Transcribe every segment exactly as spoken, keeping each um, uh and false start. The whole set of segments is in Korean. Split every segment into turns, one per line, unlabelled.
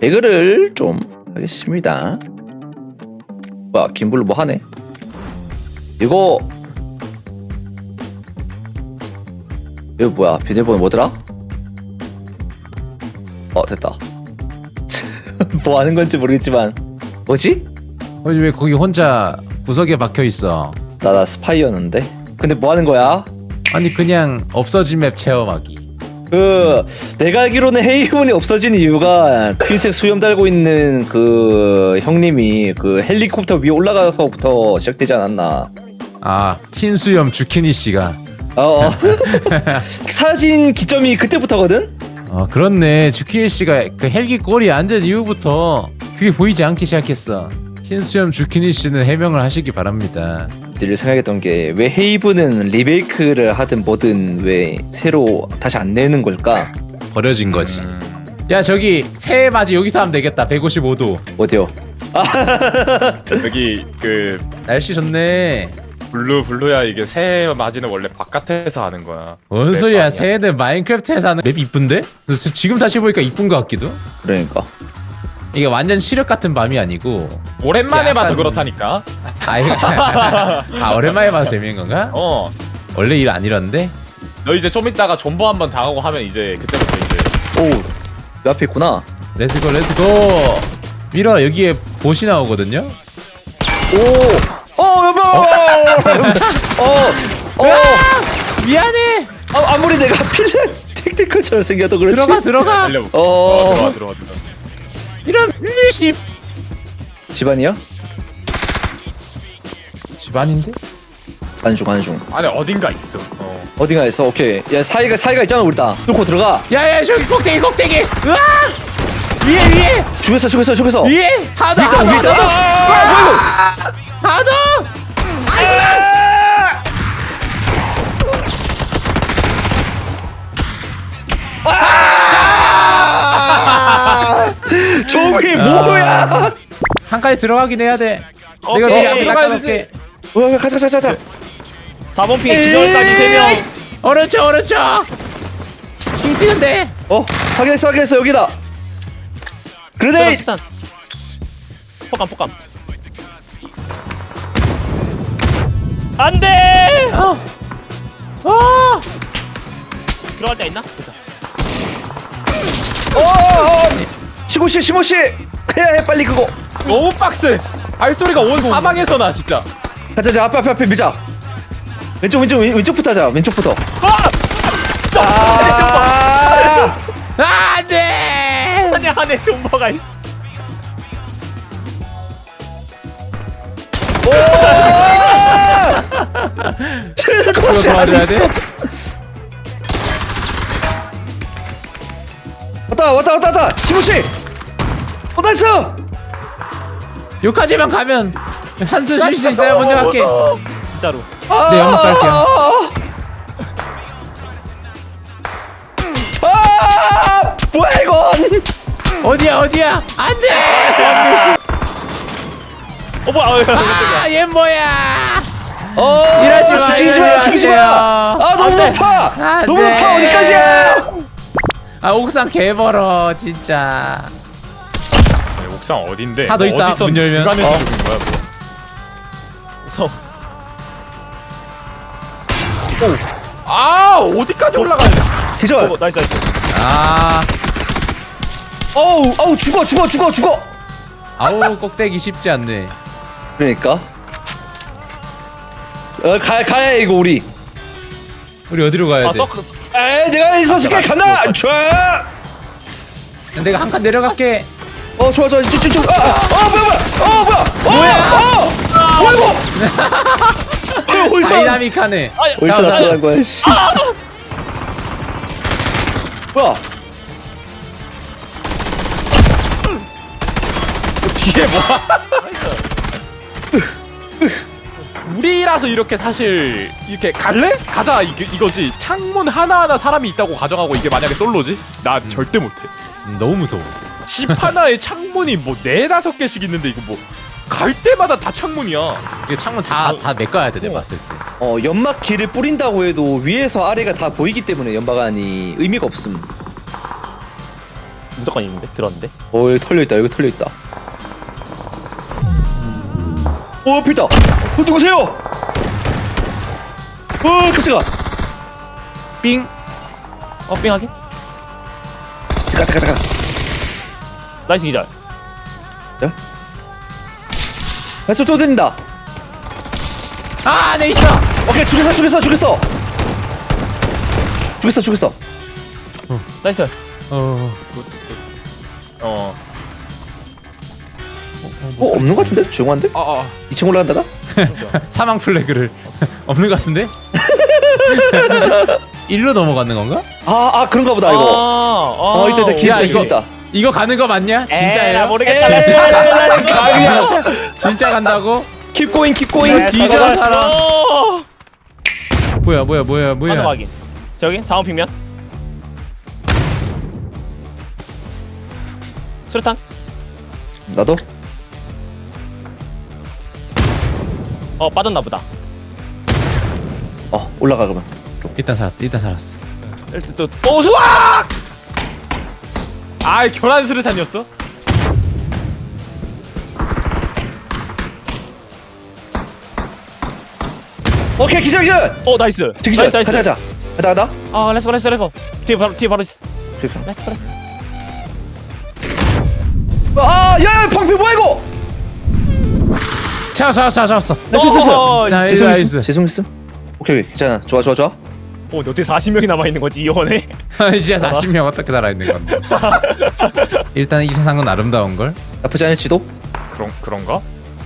배그를 좀 하겠습니다. 뭐야 김블루 뭐 하네? 이거 이거 뭐야 비밀번호 뭐더라? 어 됐다. 뭐 하는 건지 모르겠지만 뭐지?
어, 왜 거기 혼자 구석에 박혀 있어?
나 나 스파이였는데. 근데 뭐 하는 거야?
아니 그냥 없어진 맵 체험하기.
그 내가 알기로는 헤이븐이 없어진 이유가 흰색 수염 달고 있는 그 형님이 그 헬리콥터 위에 올라가서부터 시작되지 않았나?
아 흰수염 주키니 씨가.
어, 어. 사진 기점이 그때부터거든?
어 그렇네. 주키니 씨가 그 헬기 꼬리에 앉은 이후부터 그게 보이지 않기 시작했어. 흰수염 주키니 씨는 해명을 하시기 바랍니다.
늘 생각했던 게 왜 헤이븐은 리메이크를 하든 뭐든 왜 새로 다시 안 내는 걸까?
버려진 거지.
음.
야 저기 새해 맞이 여기서 하면 되겠다. 백오십오 도.
어디요?
여기 그
날씨 좋네.
블루 블루야 이게 새해 맞이는 원래 바깥에서 하는 거야.
뭔
맵
소리야?
아니야?
새해는 마인크래프트에서 하는 맵 이쁜데? 그래서 지금 다시 보니까 이쁜 것 같기도.
그러니까
이게 완전 시력 같은 밤이 아니고.
오랜만에
약간-
봐서 그렇다니까.
아, 이거 아 오랜만에 봐서 재밌는 건가?
어.
원래 일 안 이러는데?
너 이제 좀 이따가 존버 한번 당하고 하면 이제 그때부터 이제
오, 내 앞에 있구나.
렛츠고 렛츠고. 미라 여기에 보시 나오거든요?
오, 어 여보, 어, 어,
미안해.
아, 아무리 내가 필름 택티컬처럼 생겨도 그렇지.
들어가 들어가.
달려.
어.
어, 들어와 들어와 들어와.
이런 일십.
집안이야?
집안인데?
안중 안중.
안에 어딘가 있어. 어.
어디가 있어? 오케이. 야 사이가 사이가 있잖아 우리 다. 뚫고 들어가.
야야 저기 꼭대기 꼭대기. 으아! 위에 위에
죽였어 죽였어 죽였어.
위에 하더
위에 있다,
하더
위에 있다.
하더.
아, 뭐야
하더.
이거? 저기 뭐야?
한 칸에 들어가긴 해야 돼.
어,
내가
어,
미리 앞에
들어가야
닦아놓을게.
어, 가자 가자 가자.
사 번 핑에 기절까지 세 명.
오른쪽 오른쪽. 킹치는데.
어 확인했어 확인했어 여기다. 그레네이드.
스탄. 폭감 폭감. 안돼.
어. 어.
들어갈 데 있나? 됐다.
어, 어, 시고 씨 시모 씨. 해야 해 빨리 그거.
너무 빡세. 발소리가 온 사방에서 나 진짜.
가자 자 앞에 앞에 앞에 밀자. 왼쪽 왼쪽 왼- 왼쪽부터 하자 왼쪽부터. 아!
안돼.
안에 안에 존버가 있.
칠곳이
그거
안
도와줘야
있어.
돼?
왔다 왔다 왔다 왔다 시모 씨. 어 나이스.
여기까지만 가면 한숨 쉴 수 있어요. 먼저 갈게.
진짜로.
네, 연막 깔게요.
아 뭐야 이건?
어디야 어디야? 안돼.
어 뭐야? 어, 깜짝이야.
아얘 뭐야?
어
이러지 마,
죽이지 마
이러지
죽이지
마세요.
마. 아 너무
안 돼.
높아.
안
너무
돼.
높아 어디까지야?
아 옥상 개벌어 진짜.
아니, 옥상 어딘데?
하도 있다,
어디서
문 열면.
중간에서
어.
죽은 거야 뭐.
무서워.
아 어디까지 올라가냐?
기절.
어, 나이스 나이스.
아
어우 어우 죽어 죽어 죽어 죽어.
아우 꼭대기 쉽지 않네.
그러니까. 어 가, 가야 해, 이거 우리.
우리 어디로 가야
아
돼?
서클.
에이 내가 있었을게 간다. 좋아.
내가 한 칸 내려갈게.
어 좋아 좋아 쭉쭉쭉. 아, 아, 어 뭐야 뭐야. 어 뭐야. 뭐야. 어. 뭐야 이거. 어, 어디서
다이나믹하네.
어디서
자, 자,
나타난 거야 씨. 뭐야.
뒤에 뭐야? 우리라서 이렇게 사실 이렇게 갈래? 가자 이게 이거지. 창문 하나하나 사람이 있다고 가정하고 이게 만약에 솔로지? 나 절대 못해.
음, 너무 무서워.
집 하나에 창문이 뭐 네다섯 개씩 있는데 이거 뭐 갈 때마다 다 창문이야.
이게 창문 다다 메꿔야 돼. 내가 봤을 때.
어 연막 길을 뿌린다고 해도 위에서 아래가 다 보이기 때문에 연막안이 의미가 없음.
무조건 있는데 들었는데.
어 여기 털려 있다. 여기 털려 있다. 어 앞에 있다. 어 누구세요? 어 깜짝아.
삥.
어 삥하기.
잠깐 잠깐 잠깐.
나이스 기절.
발소 또 들린다.
아, 내 있어.
오케이 죽였어 죽였어 죽였어. 죽였어 죽였어.
나이스.
어.
어.
어 없는 것 같은데? 조용한데?
어어
이 층 올라간다가?
사망 플래그를 없는 것 같은데? 일로 넘어가는 건가?
아, 아 그런가 보다 이거. 어,
어,
이따 이따 길
야,
있다
이거-
길 있다.
이거 가는 거 맞냐? 진짜예요?
나 모르겠다.
에이, 가위야.
진짜, 진짜 간다고?
Keep going, keep going.
뒤져, 살아.
어.
뭐야 뭐야 뭐야 뭐야.
하나 확인. 저기 상원 핑면. 수류탄.
나도.
어 빠졌나 보다.
어 올라가 그러면.
일단 살았다. 일단 살았어.
일단 또 오수아.
아 교란 수류탄이었어?
오케이 기절 기절.
어 나이스.
저 기절.
나이스 나이스.
가자 가자. 가다 가다.
아 렛츠고 렛츠고 렛츠고. 뒤에 바로 뒤에 바로 있어.
오케이, 오케이.
렛츠고 렛츠고.
아, 야, 방패 뭐야 이거?
잡았어 잡았어 잡았어.
나이스 나이스.
어,
자,
죄송했음.
나이스.
죄송했음. 오케이 오케이 괜찮아. 좋아 좋아 좋아.
어 어떻게 사십 명이 남아 있는 거지 이 원에?
진짜 사십 명 어떻게 살아있는 건데. 일단 이 세상은 아름다운 걸.
나쁘지 않을지도.
그런 그런가?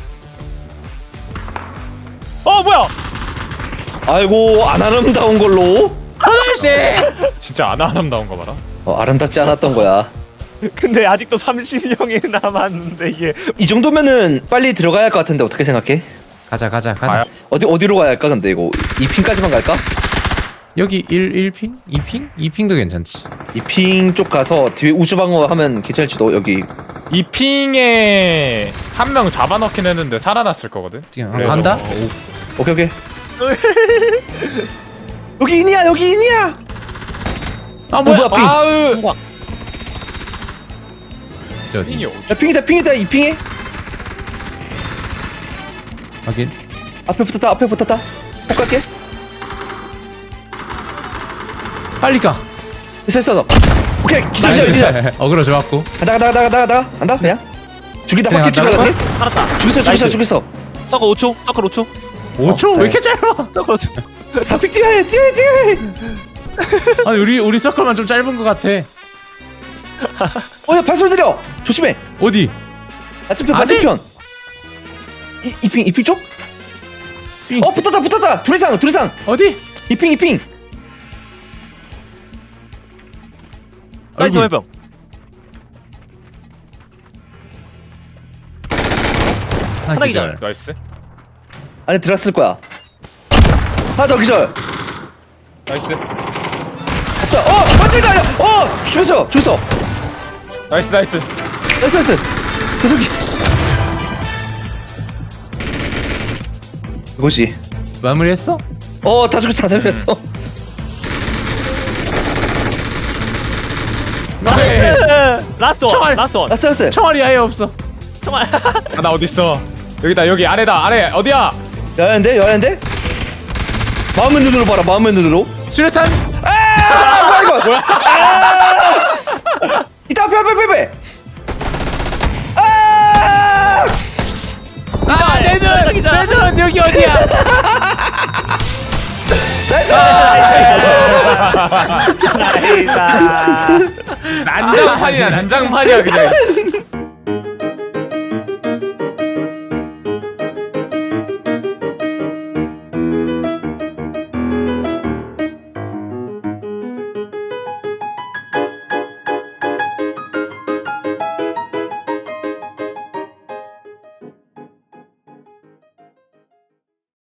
어 뭐야?
아이고 안 아름다운 걸로.
하늘씨.
진짜 안 아름다운 거 봐라.
어, 아름답지 않았던 거야.
근데 아직도 삼십 명이 남았는데 이게
이 정도면은 빨리 들어가야 할 것 같은데 어떻게 생각해?
가자 가자 가자.
아야.
어디 어디로 가야 할까 근데 이거 이 핑까지만 갈까?
여기 일, 일 핑? 이 핑? 이 핑도 괜찮지.
이 핑 쪽 가서 뒤에 우주방어 하면 괜찮을지도. 여기
이 핑에 한 명 잡아넣긴 했는데 살아났을 거거든.
지금
그래서-
간다?
어,
오케이 오케이. 여기 인이야 여기 인이야.
아 뭐야?
뭐야, 핑.
아으.
성광.
저 어디?
핑이 어디?
야 핑이다 핑이다 이 핑에.
확인.
앞에 붙었다 앞에 붙었다. 폭 갈게.
빨리 가.
있어 있어. 오케이 기절 기절 기절.
어그로 좋았고.
간다 간다 간다 간다 간다 간다 그냥. 죽이다
그냥
바퀴
간다고?
죽여라.
살았다.
죽였어 죽였어
나이스.
죽였어.
서커 오 초. 서커 오 초.
오 초?
네.
왜 이렇게 짧아?
서커 오 초.
사픽 뛰어야 해 뛰어야 해 뛰어야 해.
아니 우리 우리 서클만 좀 짧은 것 같아.
어야 발소리 들려. 조심해.
어디?
맞은편
아직?
맞은편. 이핑 이핑 쪽?
삥.
어 붙었다 붙었다. 둘 이상 둘 이상.
어디?
이핑 이핑.
나이스
얼굴.
해병.
하나
기절.
기절.
나이스.
안에 들어갔을 거야. 하나 더 기절.
나이스.
없다. 어 맞지가 아니야. 어 죽였어 죽였어.
나이스 나이스.
나이스 나이스. 계속. 이것이.
마무리했어?
어다 죽였어 다 죽였어.
나이스. 라스트 원.
총알.
라스트 원.
나이스 나이스.
총알이 아예 없어.
정말.
아, 나 어디 있어? 여기다 여기 아래다 아래 어디야?
여야인데 여야인데. 마음의 눈으로 봐라 마음의 눈으로.
수류탄.
아 뭐야 이거. 뭐야? 아! 이따 앞에 앞에 앞에 앞에. 아!
아, 내 눈!
기절.
내 눈! 여기 어디야?
나이스.
나이스.
난장판이야 난장판이야 그냥.